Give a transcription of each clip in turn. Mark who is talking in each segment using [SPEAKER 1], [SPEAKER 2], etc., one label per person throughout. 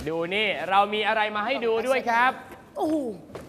[SPEAKER 1] ดูนี่เรามีอะไรมาให้ดูด้วยครับ
[SPEAKER 2] โอ้โห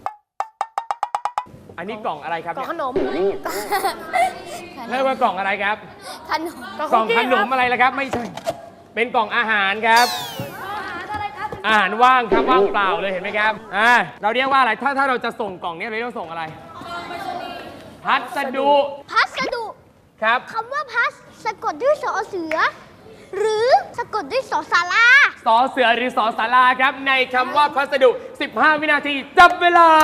[SPEAKER 1] อันนี้กล่องอะไรครับ
[SPEAKER 2] กล่องขนม
[SPEAKER 1] เรียกว่ากล่องอะไรครับ
[SPEAKER 3] ขนม
[SPEAKER 1] กล่องขนมอะไรล่ะครับ ไม่ใช่เป็นกล่องอาหารครับ อาหารว่างครับว่างเปล่าเลยเห็นไหมครับเราเรียกว่าอะไรถ้าเราจะส่งกล่องนี้เราต้องส่งอะไรพัสดุ
[SPEAKER 3] พัสดุ
[SPEAKER 1] ครับ
[SPEAKER 3] คำว่าพัสสะกดด้วยสอเสือ หรือสะกดด้วยสอสารา
[SPEAKER 1] สอเสือหรือสอสาราครับในคำว่าพัสดุ 15 วินาทีจับเวลา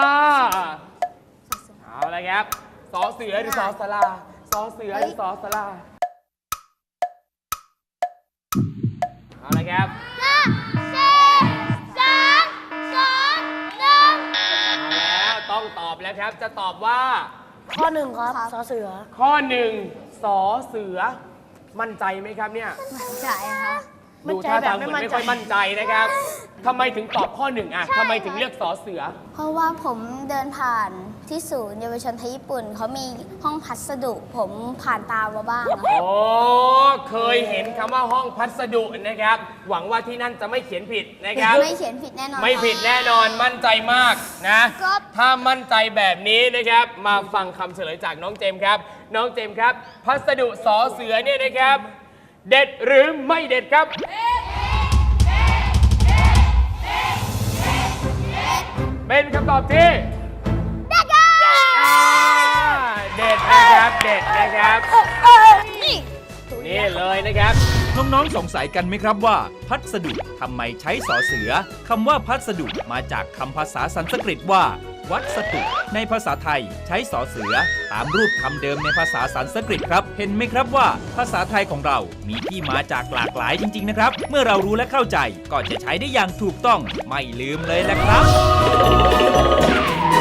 [SPEAKER 1] เอาละครับสอเสือหรือสอสาราสอเสือหรือสอสาราเอาละครับ
[SPEAKER 3] 5 4 3 2 1
[SPEAKER 1] แล้วต้องตอบแล้วครับจะตอบว่า
[SPEAKER 2] ข้อหนึ่งครับสอเสือ
[SPEAKER 1] ข้อ 1สอเสือมั่นใจไหมครับเนี่ย
[SPEAKER 3] ใช่ค่ะ
[SPEAKER 1] ดูท่าทางเหมือนไม่ค่อยมั่นใจนะครับทำไมถึงตอบข้อ 1อ่ะทำไมถึงเลือกสอเสือ
[SPEAKER 3] เพราะว่าผมเดินผ่านที่ศูนย์เยาวชนไทยญี่ปุ่นเขามีห้องพัสดุ ผมผ่านตามมาบ้างนะ
[SPEAKER 1] โอ้เคยเห็นคำว่าห้องพัสดุนะครับ หวังว่าที่นั่นจะไม่เขียนผิดนะครับ
[SPEAKER 3] ไม่เขียนผิดแน่นอน
[SPEAKER 1] ไม่ผิดแน่นอนมั่นใจมากนะครับ ถ้ามั่นใจแบบนี้นะครับ มาฟังคำเฉลยจากน้องเจมส์ครับ น้องเจมส์ครับ พัสดุสอเสือเนี่ยนะครับ เด็ดหรือไม่เด็ดครับ เป็นคำตอบที่เด็ดนะครับเด็ดนะครับ นี่เลยนะครับ
[SPEAKER 4] น้องๆ สงสัยกันไหมครับว่า พัสดุทำไมใช้สอเสือคำว่าพัสดุมาจากคำภาษาสันสกฤตว่า วัสดุ ในภาษาไทยใช้สอเสือตามรูปคำเดิมในภาษาสันสกฤตครับ เห็นไหมครับว่า ภาษาไทยของเรามีที่มาจากหลากหลายจริงๆนะครับ เมื่อเรารู้และเข้าใจก็จะใช้ได้อย่างถูกต้องไม่ลืมเลยแหละครับ